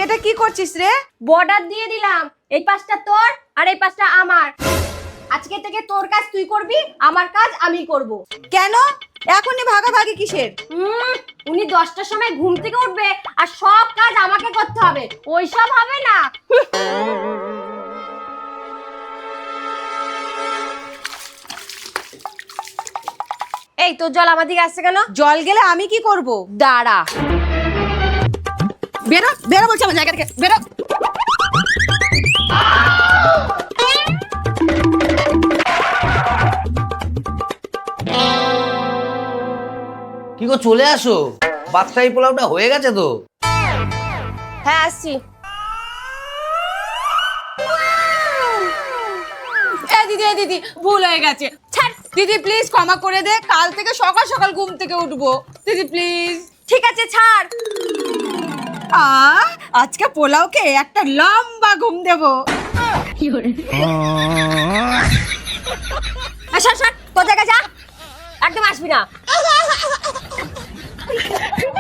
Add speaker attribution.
Speaker 1: এটা কি করছিস রে?
Speaker 2: বর্ডার দিয়ে দিলাম, এই পাশটা তোর আর এই পাশটা আমার। আজকে থেকে তোর কাজ তুই করবি, আমার কাজ আমি করব।
Speaker 1: কেন এখনই ভাগাভাগি কিসের?
Speaker 2: উনি 10টার সময় ঘুম থেকে উঠবে আর সব কাজ আমাকে করতে হবে, ওইসব হবে না। এই তোর জল আমার দিকে আসছে কেন?
Speaker 1: জল গেলে আমি কি করব?
Speaker 2: দাঁড়া।
Speaker 1: বেরো বেরো বলছি আমার জায়গা থেকে, বেরো।
Speaker 3: কি গো চলে আসো, বাদশাহী পোলাওটা হয়ে গেছে তো?
Speaker 2: হ্যাঁ আসছি।
Speaker 1: দিদি ভুল হয়ে গেছে, ছাড় দিদি প্লিজ ক্ষমা করে দে, কাল থেকে সকাল সকাল ঘুম থেকে উঠবো দিদি প্লিজ।
Speaker 2: ঠিক আছে ছাড়।
Speaker 1: আজকে পোলাওকে একটা লম্বা ঘুম দেবো।
Speaker 2: সর তোর জায়গায় যা, একদম আসবি না।